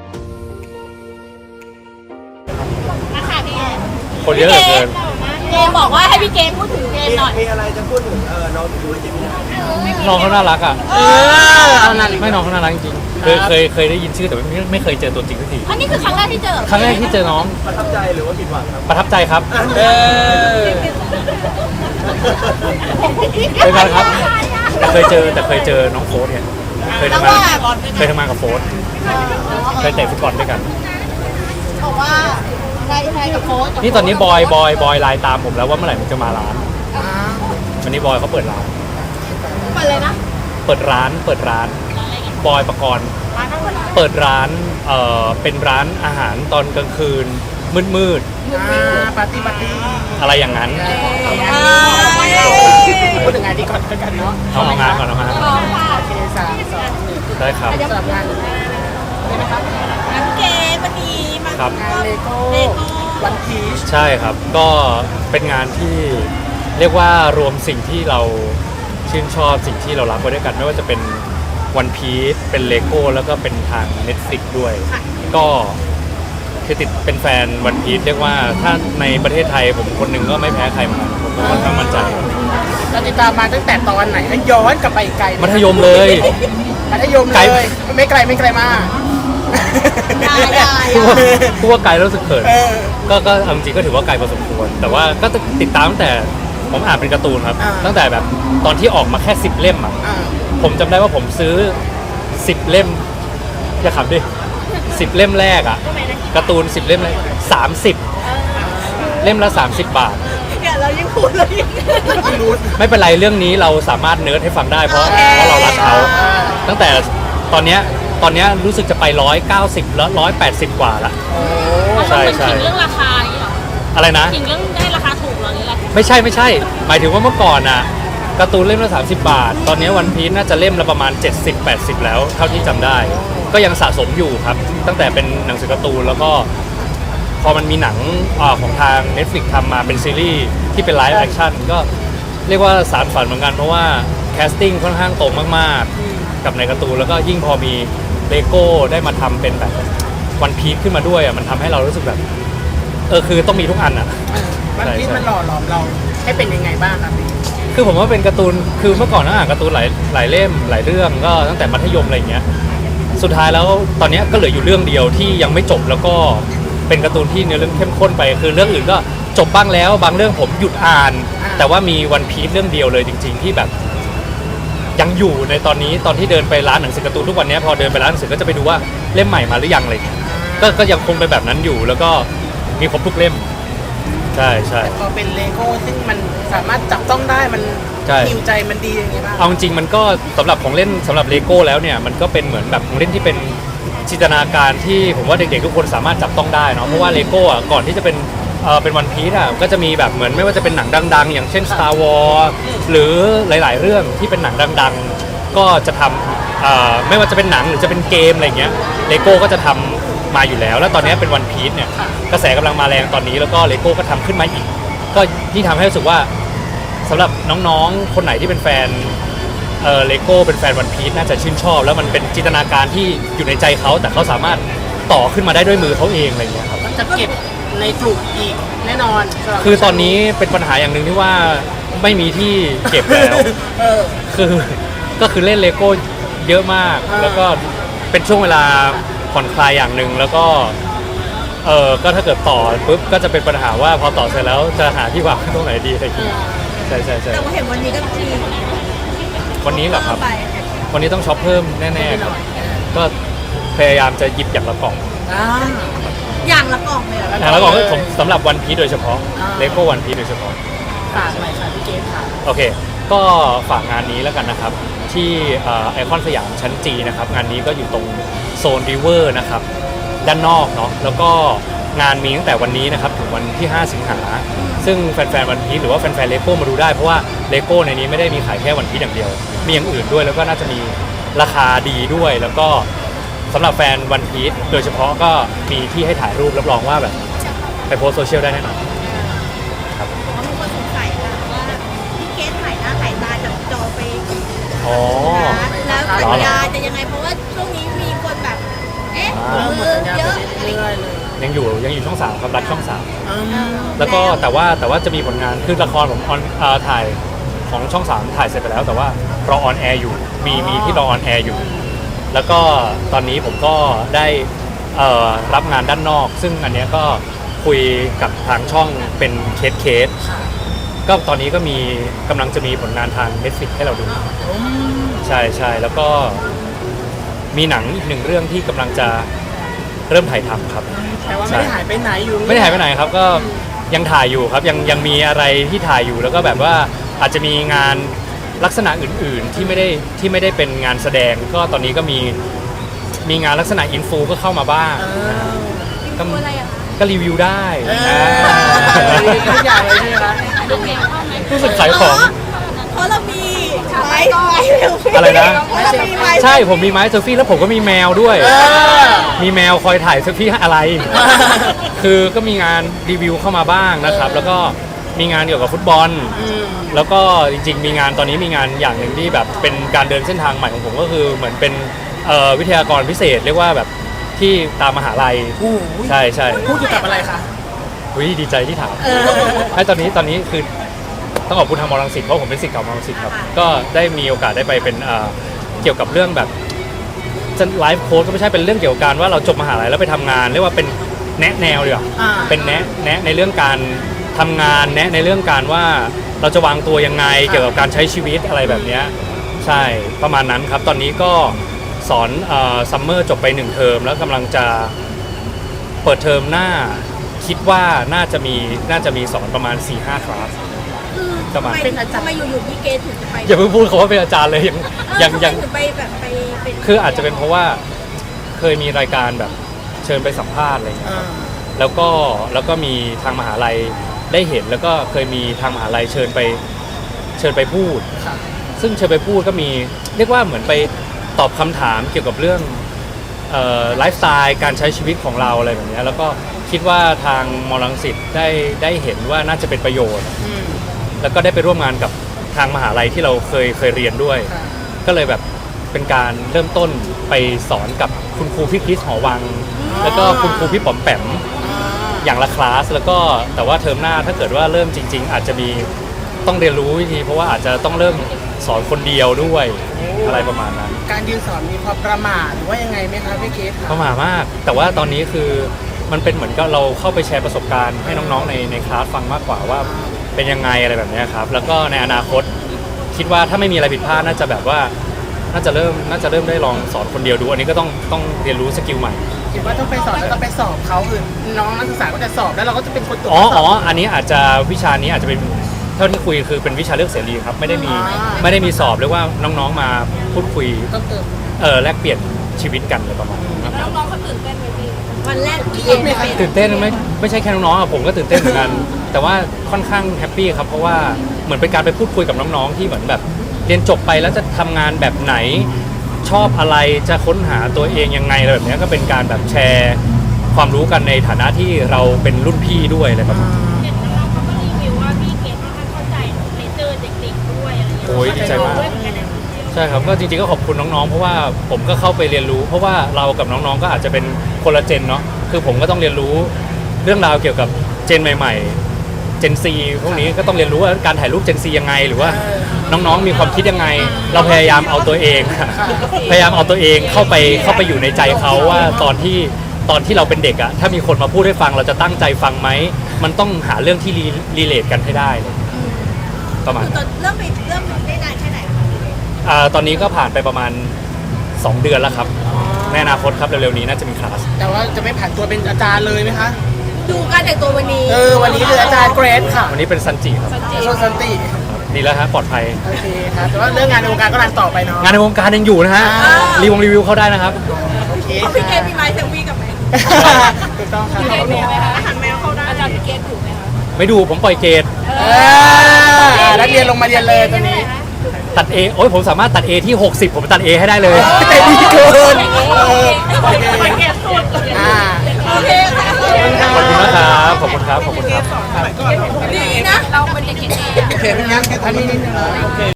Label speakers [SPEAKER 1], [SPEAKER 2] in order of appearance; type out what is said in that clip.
[SPEAKER 1] นะคะพี่
[SPEAKER 2] คนเยอะเหลือเกิน
[SPEAKER 1] เกมบอกว่าให้พี่เกมพูดถึงเกมหน่อย
[SPEAKER 3] มีอะไรจะพูดถึงน้องดูเจมินา
[SPEAKER 2] น้องเขาน่ารักอ่ะ
[SPEAKER 4] เอานั่น
[SPEAKER 2] ไม่น้องเขาน่ารักจริงๆเคยได้ยินชื่อแต่ไม่เคยเจอตัวจริงสักที
[SPEAKER 1] อันนี้คือครั้งแรกที่เจอ
[SPEAKER 2] ครั้งแรกที่เจอน้อง
[SPEAKER 3] ประทับใจหรือว่าผิดหวังครับ
[SPEAKER 2] ประทับใจครับเคยกันครับแต่เคยเจอน้องโฟสเนี่ยเคยทำงานกับโฟสเคยเตะฟุตบอลด้วยกัน
[SPEAKER 1] บอกว่าใครกับโค้ช
[SPEAKER 2] นี่ตอนนี้บอยไลน์ตามผมแล้วว่าเมื่อไหร่มันจะมาร้านวันนี้บอยเขาเปิดร้าน
[SPEAKER 1] เปิดเลยนะ
[SPEAKER 2] เปิดร้านบอยประกรณ์เปิดร้านเป็นร้านอาหารตอนกลางคืนมืด
[SPEAKER 4] ปาร์ตี้
[SPEAKER 2] อะไรอย่างนั้น
[SPEAKER 4] พูดถึงงานดีก่อนกันเนาะ
[SPEAKER 2] เอางานก่อนเอางาน
[SPEAKER 4] โอเค3-2-1
[SPEAKER 2] ได้ครับ
[SPEAKER 4] สำหรับงานได้ไหมครับ
[SPEAKER 1] น้ำเกมวันนี้มาง
[SPEAKER 4] านเลโก้วันพีช
[SPEAKER 2] ใช่ครับก็เป็นงานที่เรียกว่ารวมสิ่งที่เราชื่นชอบสิ่งที่เรารักไว้ด้วยกันไม่ว่าจะเป็นวันพีชเป็นเลโก้แล้วก็เป็นทาง Netflix ด้วยก็คือติดเป็นแฟนวันพีชเรียกว่าถ้าในประเทศไทยผมคนหนึ่งก็ไม่แพ้ใครเหมือนกันผมค่อนข้างมั่นใจ
[SPEAKER 4] เราติดตามมาตั้งแต่ตอนไหนแล้วย้อนกลับไปไกล
[SPEAKER 2] มัธยมเลยไม่ไกลมากพูดว่าไกลแล้วรู้สึกเขินก็จริงก็ถือว่าไกลพอสมควรแต่ว่าก็ติดตามตั้งแต่ผมอ่านเป็นการ์ตูนครับตั้งแต่แบบตอนที่ออกมาแค่10 เล่มอ่ะผมจำได้ว่าผมซื้อ10 เล่มอย่าขำดิ10 เล่มแรกอ่ะการ์ตูน10 เล่มเลย30 เล่มละ30 บาท
[SPEAKER 1] เนี่ยเรายังพูดเลย
[SPEAKER 2] ไม่เป็นไรเรื่องนี้เราสามารถเนิร์ดให้ฟังได้เพราะเรารักเขาตั้งแต่ตอนเนี้ยรู้สึกจะไป190แล้ว180 กว่าละ
[SPEAKER 1] ใช่ถึงเรื่องราคาอย่างนี้หรอ
[SPEAKER 2] อะไรนะ
[SPEAKER 1] ถึงเรื่องได้ราคาถูกหรอหรืออะไร
[SPEAKER 2] ไม่ใช่หมายถึงว่าเมื่อก่อนน่ะการ์ตูนเล่มละ30 บาทตอนนี้วันพีชน่าจะเล่มละประมาณ70-80แล้วเท่าที่จำได้ก็ยังสะสมอยู่ครับตั้งแต่เป็นหนังสือการ์ตูนแล้วก็พอมันมีหนังของทาง Netflix ทำมาเป็นซีรีส์ที่เป็นไลฟ์แอคชั่นก็เรียกว่าสารฝันเหมือนกันเพราะว่าแคสติ้งค่อนข้างตรงมากๆกับในการ์ตูนแล้วก็ยิ่งพอมีเลโก้ได้มาทำเป็นแบบวันพีชขึ้นมาด้วยอ่ะมันทำให้เรารู้สึกแบบคือต้องมีทุกอันอ่ะ
[SPEAKER 4] วันพีชมันหล่อหลอมเราให้เป็นยังไงบ้างครับพี่
[SPEAKER 2] คือผมว่าเป็นการ์ตูนคือเมื่อก่อนอ่านการ์ตูนหลายเล่มหลายเรื่องก็ตั้งแต่มัธยมอะไรอย่างเงี้ยสุดท้ายแล้วตอนนี้ก็เหลืออยู่เรื่องเดียวที่ยังไม่จบแล้วก็เป็นการ์ตูนที่เนื้อเรื่องเข้มข้นไปคือเรื่องอื่นก็จบบ้างแล้วบางเรื่องผมหยุดอ่านแต่ว่ามีวันพีชเรื่องเดียวเลยจริงๆที่แบบยังอยู่ในตอนนี้ตอนที่เดินไปร้านหนังสือการ์ตูนทุกวันนี้พอเดินไปร้านหนังสือก็จะไปดูว่าเล่มใหม่มาหรือยังอะไรก็ยังคงเป็นแบบนั้นอยู่แล้วก็มีครบทุกเล่มใช่
[SPEAKER 4] พอเป็นเลโก้ซึ่งมันสามารถจับต้องได้มันฮิวใจมันดีอย่างเงี้ยบ้าง
[SPEAKER 2] เอาจริงมันก็สำหรับของเล่นสำหรับเลโก้แล้วเนี่ยมันก็เป็นเหมือนแบบของเล่นที่เป็นจินตนาการที่ผมว่าเด็กๆทุกคนสามารถจับต้องได้เนาะเพราะว่าเลโก้อ่ะก่อนที่จะเป็นวันพีซอ่ะก็จะมีแบบเหมือนไม่ว่าจะเป็นหนังดังๆอย่างเช่น Star Wars หรือหลายๆเรื่องที่เป็นหนังดังๆก็จะทำไม่ว่าจะเป็นหนังหรือจะเป็นเกมอะไรเงี้ยเลโก้ก็จะทำมาอยู่แล้วแล้วตอนนี้เป็นวันพีซเนี่ยกระแสกำลังมาแรงตอนนี้แล้วก็เลโก้ก็ทำขึ้นมาอีกก็ที่ทำให้รู้สึกว่าสำหรับน้องๆคนไหนที่เป็นแฟนเลโก้เป็นแฟนวันพีซน่าจะชื่นชอบแล้วมันเป็นจินตนาการที่อยู่ในใจเขาแต่เขาสามารถต่อขึ้นมาได้ด้วยมือเขาเองอะไรเงี้ยครับ
[SPEAKER 4] จะเก็บในกลุ่มอีกแน่นอน
[SPEAKER 2] คือตอนนี้เป็นปัญหาอย่างหนึ่งที่ว่าไม่มีที่เก็บแล้วก็คือเล่นเลโก้เยอะมากแล้วก็เป็นช่วงเวลาผ่อนคลายอย่างหนึ่งแล้วก็ก็ถ้าเกิดต่อปุ๊บก็จะเป็นปัญหาว่าพอต่อเสร็จแล้วจะหาที่วางตรงไหนดีอะไรอย่างเงี้ยใช่
[SPEAKER 1] แต่ว่าเห็นวันนี้ก็ที
[SPEAKER 2] วันนี้เหรอครับวันนี้ต้องช็อปเพิ่มแน่ๆครับก็พยายามจะหยิบอย่างละกล่อง
[SPEAKER 1] อย่างละกล่องเลย
[SPEAKER 2] อย่างละกล่องผมสำหรับวันพีซโดยเฉพาะเลโก้วันพีซโดยเฉพาะ
[SPEAKER 4] ฝากอะไรค่ะพี่เกศค่ะ
[SPEAKER 2] โอเคก็ฝากงานนี้แล้วกันนะครับที่ไอคอนสยามชั้นจีนะครับงานนี้ก็อยู่ตรงโซนริเวอร์นะครับด้านนอกเนาะแล้วก็งานมีตั้งแต่วันนี้นะครับถึงวันที่5 สิงหาซึ่งแฟนๆวันพีซหรือว่าแฟนๆเลโก้มาดูได้เพราะว่าเลโก้ในนี้ไม่ได้มีขายแค่วันพีซอย่างเดียวมีอย่างอื่นด้วยแล้วก็น่าจะมีราคาดีด้วยแล้วก็สำหรับแฟนวันพีซโดยเฉพาะก็มีที่ให้ถ่ายรูปรับรองว่าแบบไปโพสโซเชียลได้แน่นอน
[SPEAKER 1] ครับมีคนสงสัยค่ะว่าพี่เกศถ่ายหน้าถ่ายตาจากจอไปแล้วสัญญาจะยังไงเพราะว่าช่วงนี้มีคนแบบ
[SPEAKER 4] เริ่มหมดสัญญาไปเรื่อยๆเลย
[SPEAKER 2] ยังอยู่ช่อง 3ครับรักช่อง
[SPEAKER 4] อืม
[SPEAKER 2] 3แล้วก็แต่ว่าจะมีผลงานคือละครผมถ่ายของช่อง 3ถ่ายเสร็จไปแล้ว แต่ว่ารอออนแอร์อยู่มีที่รอออนแอร์อยู่ แล้วก็ตอนนี้ผมก็ได้รับงานด้านนอก ซึ่งอันเนี้ยก็คุยกับทางช่องเป็นเคสก็ตอนนี้ก็กำลังจะมีผลงานทาง Netflix ให้เราดูใช่แล้วก็มีหนังอีกหนึ่งเรื่องที่กำลังจะเริ่มถ่ายทำครับ
[SPEAKER 4] แต่ว่าไม่ได้หายไปไหนอยู่
[SPEAKER 2] ไม่ได้หายไปไหนครับก็ยังถ่ายอยู่ครับยังมีอะไรที่ถ่ายอยู่แล้วก็แบบว่าอาจจะมีงานลักษณะอื่นๆที่ไม่ได้เป็นงานแสดงก็ตอนนี้ก็มีงานลักษณะอินฟูก็เข้ามาบ้างก็
[SPEAKER 1] อะไรอะคะ
[SPEAKER 2] ก็รีวิวได้
[SPEAKER 4] ทุกอย่างเลยใช่ไหมคะ
[SPEAKER 2] รู้สึกขายของ
[SPEAKER 1] เพราะเรามีไม้เซลฟี่
[SPEAKER 2] อะไรนะ
[SPEAKER 1] เรามีไม้
[SPEAKER 2] ใช่ผมมีไม้เซลฟี่แล้วผมก็มีแมวด้วย มีแมวคอยถ่ายเซลฟี่อะไร คือก็มีงานรีวิวเข้ามาบ้างนะครับ แล้วก็มีงานเกี่ยวกับฟุตบอล แล้วก็จริงๆมีงานตอนนี้มีงานอย่างหนึ่งที่แบบเป็นการเดินเส้นทางใหม่ของผมก็คือเหมือนเป็นวิทยากรพิเศษเรียกว่าแบบที่ตามมหาลัยใช่
[SPEAKER 4] พูดเกี่ยวกับอะไรคะ
[SPEAKER 2] ดีใจที่ถามไอ้ตอนนี้คือต้องขอบคุณทางมอรังสิตเพราะผมเป็นศิษย์เก่ามอรังสิตครับก็ได้มีโอกาสได้ไปเป็นเกี่ยวกับเรื่องแบบไลฟ์โค้ชก็ไม่ใช่เป็นเรื่องเกี่ยวกับการว่าเราจบมหาลัยแล้วไปทำงานเรียกว่าเป็นแนะแนวดีกว่าเป็นแนะในเรื่องการทำงานแนะในเรื่องการว่าเราจะวางตัวยังไงเกี่ยวกับการใช้ชีวิตอะไรแบบนี้ใช่ประมาณนั้นครับตอนนี้ก็สอนซัมเมอร์จบไป1 เทอมแล้วกำลังจะเปิดเทอมหน้าคิดว่าน่าจะมีสอนประมาณ 4-5 คลาส
[SPEAKER 1] ทำไมอยู่ๆพี่เกดถึงจะไป
[SPEAKER 2] อย่าเพิ่งพูดเขาว่าเป็นอาจารย์เลยยัง
[SPEAKER 1] ถึงไปแบบไปเป็น
[SPEAKER 2] คืออาจจะเป็นเพราะว่าเคยมีรายการแบบเชิญไปสัมภาษณ์อะไรอย่างเงี้ยครับแล้วก็มีทางมหาลัยได้เห็นแล้วก็เคยมีทางมหาลัยเชิญไปพูดซึ่งเชิญไปพูดก็มีเรียกว่าเหมือนไปตอบคำถามเกี่ยวกับเรื่องไลฟ์สไตล์การใช้ชีวิตของเราอะไรแบบนี้แล้วก็คิดว่าทางมอรังสิตได้เห็นว่าน่าจะเป็นประโยชน์แล้วก็ได้ไปร่วมงานกับทางมหาลัยที่เราเคยเรียนด้วยก็เลยแบบเป็นการเริ่มต้นไปสอนกับคุณครูพี่คริสหอวังแล้วก็คุณครูพี่ป๋อมแปมอย่างละคลาสแล้วก็แต่ว่าเทอมหน้าถ้าเกิดว่าเริ่มจริงๆอาจจะมีต้องเรียนรู้วิธีเพราะว่าอาจจะต้องเริ่มสอนคนเดียวด้วยอะไรประมาณนั้น
[SPEAKER 4] การยืนสอนมีความประมาทหรือว่ายังไงไหมคะพี่เกด
[SPEAKER 2] ประมาทมากแต่ว่าตอนนี้คือมันเป็นเหมือนกับเราเข้าไปแชร์ประสบการณ์ให้น้องๆในคลาสฟังมากกว่าว่าเป็นยังไงอะไรแบบนี้ครับแล้วก็ในอนาคตคิดว่าถ้าไม่มีอะไรผิดพลาดน่าจะแบบว่าน่าจะเริ่มได้ลองสอนคนเดียวดูอันนี้ก็ต้องเรียนรู้สกิลใหม่
[SPEAKER 4] คิดว่าต้องไปสอนแล้วต้องไปสอบเขาคือน้องนักศึกษาก็จะสอบแล้วเราก็จะเป็นคนตรวจ
[SPEAKER 2] อันนี้อาจจะวิชานี้อาจจะเป็นเท่าที่คุยคือเป็นวิชาเลือกเสรีครับไม่ได้มีสอบเรียกว่าน้องๆมาพูดคุยแลกเปลี่ยนชีวิตกันเลยประมาณนี้ครับ
[SPEAKER 1] น้องๆเขาตื่นเต้นไหมพี่วันแรกพี่เกด
[SPEAKER 2] ตื่นเต้นไม่ใช่แค่น้องๆผมก็ตื่นเต้นเหมือนกันแต่ว่าค่อนข้างแฮปปี้ครับเพราะว่าเหมือนเป็นการไปพูดคุยกับน้องๆที่เหมือนแบบเรียนจบไปแล้วจะทำงานแบบไหนชอบอะไรจะค้นหาตัวเองยังไงอะไรแบบนี้ก็เป็นการแบบแชร์ความรู้กันในฐานะที่เราเป็นรุ่นพี่ด้วยอะไรประมาณนี้
[SPEAKER 1] เห็นน้องๆเขาก็รีวิวว่าพี่เกดค่อนข้างเข้าใจในเจอเด็กๆด้วยอะไรอย่างเงี้ย
[SPEAKER 2] โอ้ยดีใจมากใช่ครับก็จริงๆก็ขอบคุณน้องๆเพราะว่าผมก็เข้าไปเรียนรู้เพราะว่าเรากับน้องๆก็อาจจะเป็นคนละเจนเนาะคือผมก็ต้องเรียนรู้เรื่องราวเกี่ยวกับเจนใหม่ๆเจนซีพวกนี้ก็ต้องเรียนรู้ว่าการถ่ายรูปเจนซียังไงหรือว่าน้องๆมีความคิดยังไงเราพยายามเอาตัวเองเข้าไปอยู่ในใจเขาว่าตอนที่เราเป็นเด็กอะถ้ามีคนมาพูดให้ฟังเราจะตั้งใจฟังไหมมันต้องหาเรื่องที่รีเลทกันให้ได้เลยประมาณ
[SPEAKER 1] เริ่มได้นานแค่ไหน
[SPEAKER 2] ตอนนี้ก็ผ่านไปประมาณ2 เดือนแล้วครับในอนาคตครับเร็วๆนี้น่าจะมีคลาส
[SPEAKER 4] แต่ว่าจะไม่ผ่านตัวเป็นอาจารย์เลยไหมคะ
[SPEAKER 1] ดูการแต่งตัววันนี้
[SPEAKER 4] วันนี้คืออาจารย์เกรดค่ะ
[SPEAKER 2] วันนี้เป็นซันจิครับ
[SPEAKER 4] ซันจิ
[SPEAKER 2] ดีแล้วฮะปลอดภัย
[SPEAKER 4] โอเคครับแต่ว่าเรื่องงานในวงการก็รันต่อไปเนาะ
[SPEAKER 2] งานในวงการยังอยู่นะฮะรีวิวเข้าได้นะครับ
[SPEAKER 4] โอเค
[SPEAKER 1] พี่เกดมีไม้เซลฟี่กับไหม
[SPEAKER 4] ถูกต้องครับ
[SPEAKER 1] พี่เกดดูไหมคะหันแมวเข้าได้อาจารย์พี่เกดดูไหมคะ
[SPEAKER 2] ไม่ดูผมปล่อยเกรด
[SPEAKER 4] นักเรียนลงมาเรียนเลยตอนนี้
[SPEAKER 2] ตัด A โอ้ยผมสามารถตัด A ที่60ผมตัด A ให้ได้เลย
[SPEAKER 4] แต่ดีเกิน
[SPEAKER 1] โอเคค่ะ
[SPEAKER 2] ขอบคุณนะครับขอบคุณครับ
[SPEAKER 1] ดีนะเราเป็นเด็กเก่ง
[SPEAKER 4] โอเคเป็นงั้นแค่ตอนนี้